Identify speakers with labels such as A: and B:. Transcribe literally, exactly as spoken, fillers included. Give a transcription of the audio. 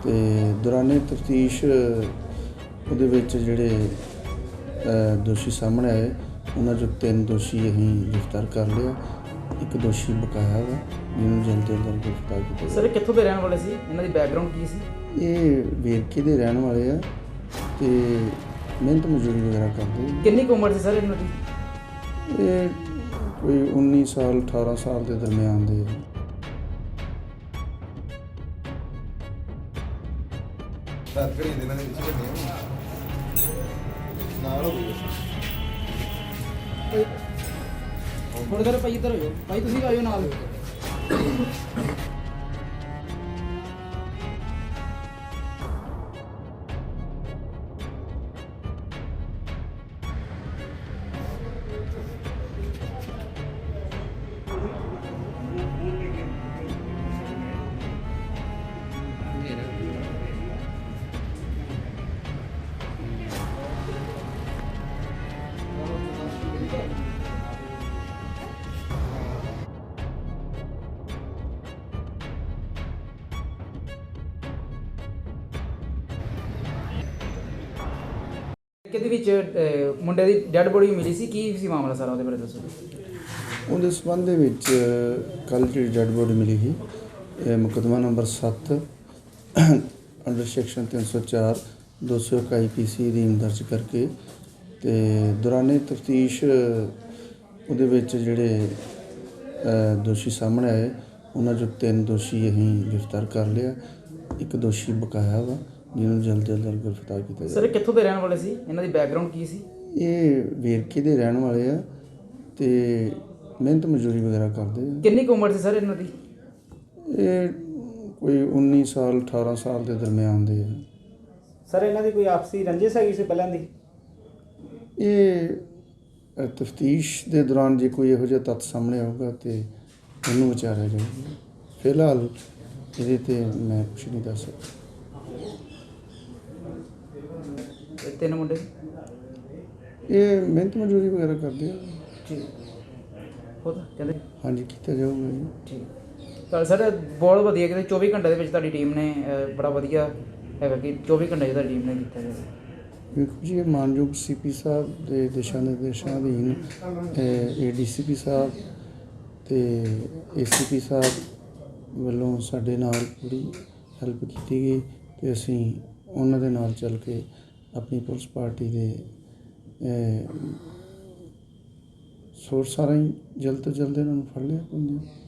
A: ਤੇ ਦੌਰਾਨੇ ਤਫਤੀਸ਼ ਉਹਦੇ ਵਿੱਚ ਜਿਹੜੇ ਅ, ਦੋਸ਼ੀ ਸਾਹਮਣੇ ਆਏ ਉਹਨਾਂ 'ਚੋਂ ਤਿੰਨ ਦੋਸ਼ੀ ਅਸੀਂ ਗ੍ਰਿਫਤਾਰ ਕਰ ਲਿਆ। ਇੱਕ ਦੋਸ਼ੀ ਬਕਾਇਆ ਵਾ ਜਿਹਨੂੰ ਜਲਦ ਤੋਂ ਜਲਦ ਗ੍ਰਿਫਤਾਰ ਕੀਤਾ
B: ਸਰ ਇਹ ਕਿੱਥੋਂ ਦੇ ਰਹਿਣ ਵਾਲੇ ਸੀ? ਇਹਨਾਂ ਦੀ ਬੈਕਗ੍ਰਾਉਂਡ ਕੀ ਸੀ?
A: ਜਾਵੇ। ਇਹ ਵੇਰਕੇ ਦੇ ਰਹਿਣ ਵਾਲੇ ਆ ਤੇ ਮਿਹਨਤ ਮਜ਼ਦੂਰੀ ਵਗੈਰਾ ਕਰਦੇ ਆ।
B: ਕਿੰਨੀ ਕੁ ਉਮਰ ਸੀ ਸਰ ਇਹਨਾਂ ਦੀ?
A: ਇਹ ਕੋਈ ਉੱਨੀ ਸਾਲ ਅਠਾਰਾਂ ਸਾਲ ਦੇ ਦਰਮਿਆਨ ਦੇ ਆ।
C: ਰਾਤ ਘੜੀ ਦੇ ਨਾਲ ਵਿੱਚ ਵੱਡੇ ਨਾਲ ਹੋ ਗਈ
B: ਥੋੜੇ ਦੇਰ ਭਾਈ ਇੱਧਰ ਹੋ ਜਾਓ। ਭਾਈ ਤੁਸੀਂ ਆਇਓ ਨਾਲ। ਕਿਹਦੇ ਵਿੱਚ ਅਹ, ਮੁੰਡੇ ਦੀ ਡੈੱਡ ਬੋਡੀ ਮਿਲੀ ਸੀ? ਕੀ ਸੀ ਮਾਮਲਾ ਸਾਰਾ, ਉਹਦੇ ਬਾਰੇ ਦੱਸੋ।
A: ਉਹਦੇ ਸੰਬੰਧ ਦੇ ਵਿੱਚ ਕੱਲ੍ਹ ਜਿਹੜੀ ਡੈੱਡ ਬੋਡੀ ਮਿਲੀ ਸੀ, ਇਹ ਮੁਕੱਦਮਾ ਨੰਬਰ ਸੱਤ ਅੰਡਰ ਸੈਕਸ਼ਨ ਤਿੰਨ ਸੌ ਚਾਰ ਦੋ ਸੌ ਇੱਕ ਆਈ ਪੀ ਸੀ ਅਧੀਨ ਦਰਜ ਕਰਕੇ ਤੇ ਦੌਰਾਨੇ ਤਫਤੀਸ਼ ਉਹਦੇ ਵਿੱਚ ਜਿਹੜੇ ਅ, ਦੋਸ਼ੀ ਸਾਹਮਣੇ ਆਏ ਉਹਨਾਂ 'ਚੋਂ ਤਿੰਨ ਦੋਸ਼ੀ ਅਸੀਂ ਗ੍ਰਿਫਤਾਰ ਕਰ ਲਿਆ। ਇੱਕ ਦੋਸ਼ੀ ਬਕਾਇਆ ਵਾ ਜਿਹਨੂੰ ਜਲਦ ਤੋਂ ਜਲਦ ਗ੍ਰਿਫਤਾਰ ਕੀਤਾ
B: ਸਰ
A: ਜਾਵੇ।
B: ਇਹ ਕਿੱਥੋਂ ਦੇ ਰਹਿਣ ਵਾਲੇ ਸੀ? ਇਹਨਾਂ ਦੀ ਬੈਕਗ੍ਰਾਉਂਡ ਕੀ ਸੀ?
A: ਇਹ ਵੇਰਕੇ ਦੇ ਰਹਿਣ ਵਾਲੇ ਆ ਤੇ ਮਿਹਨਤ ਮਜ਼ਦੂਰੀ ਵਗੈਰਾ ਕਰਦੇ ਆ।
B: ਕਿੰਨੀ ਕੁ ਉਮਰ ਸੀ ਸਰ ਇਹਨਾਂ ਦੀ?
A: ਇਹ ਕੋਈ ਉੱਨੀ ਸਾਲ ਅਠਾਰਾਂ ਸਾਲ ਦੇ ਦਰਮਿਆਨ ਦੇ ਆ।
D: ਸਰ ਇਹਨਾਂ ਦੀ ਕੋਈ ਆਪਸੀ ਰੰਜਿਸ਼ ਹੈਗੀ ਸੀ ਪਹਿਲਾਂ ਦੀ?
A: ਇਹ ਤਫਤੀਸ਼ ਦੇ ਦੌਰਾਨ ਜੇ ਕੋਈ ਇਹੋ ਜਿਹਾ ਤੱਥ ਸਾਹਮਣੇ ਆਊਗਾ ਤੇ ਉਹਨੂੰ ਵਿਚਾਰਿਆ ਜਾਊਗਾ। ਫਿਲਹਾਲ ਇਹਦੇ ਤੇ ਮੈਂ ਕੁਛ ਨਹੀਂ ਦੱਸ ਸਕਦਾ।
B: ਇਹ ਤਿੰਨ ਮੁੰਡੇ?
A: ਇਹ ਮਿਹਨਤ ਮਜ਼ਦੂਰੀ ਵਗੈਰਾ ਕਰਦੇ ਆ।
B: ਠੀਕ ਹੋ ਤਾਂ ਕਹਿੰਦੇ
A: ਹਾਂਜੀ, ਕੀਤਾ ਜਾਊਗਾ ਜੀ।
B: ਠੀਕ। ਤਾਂ ਸਰ ਬਹੁਤ ਵਧੀਆ ਕਿ ਚੌਵੀ ਘੰਟੇ ਦੇ ਵਿੱਚ ਤੁਹਾਡੀ ਟੀਮ ਨੇ ਅਹ, ਬੜਾ ਵਧੀਆ ਹੈਗਾ ਕਿ ਚੌਵੀ ਘੰਟੇ 'ਚ ਤੁਹਾਡੀ ਟੀਮ ਨੇ ਕੀਤਾ ਜਾਵੇ।
A: ਵੇਖੋ ਜੀ, ਇਹ ਮਾਨਯੋਗ ਸੀ ਪੀ ਸਾਹਿਬ ਦੇ ਦਿਸ਼ਾ ਨਿਰਦੇਸ਼ਾਂ ਅਧੀਨ ਏ ਡੀ ਸੀ ਪੀ ਸਾਹਿਬ ਤੇ ਏ ਸੀ ਪੀ ਸਾਹਿਬ ਵੱਲੋਂ ਸਾਡੇ ਨਾਲ ਪੂਰੀ ਹੈਲਪ ਕੀਤੀ ਗਈ ਤੇ ਅਸੀਂ ਉਹਨਾਂ ਦੇ ਨਾਲ ਚੱਲ ਕੇ ਆਪਣੀ ਪੁਲਿਸ ਪਾਰਟੀ ਦੇ ਸੋਰਸਾਂ ਰਾਹੀਂ ਜਲਦ ਤੋਂ ਜਲਦ ਇਹਨਾਂ ਨੂੰ ਫੜ ਲਿਆ ਪਾਉਂਦੇ।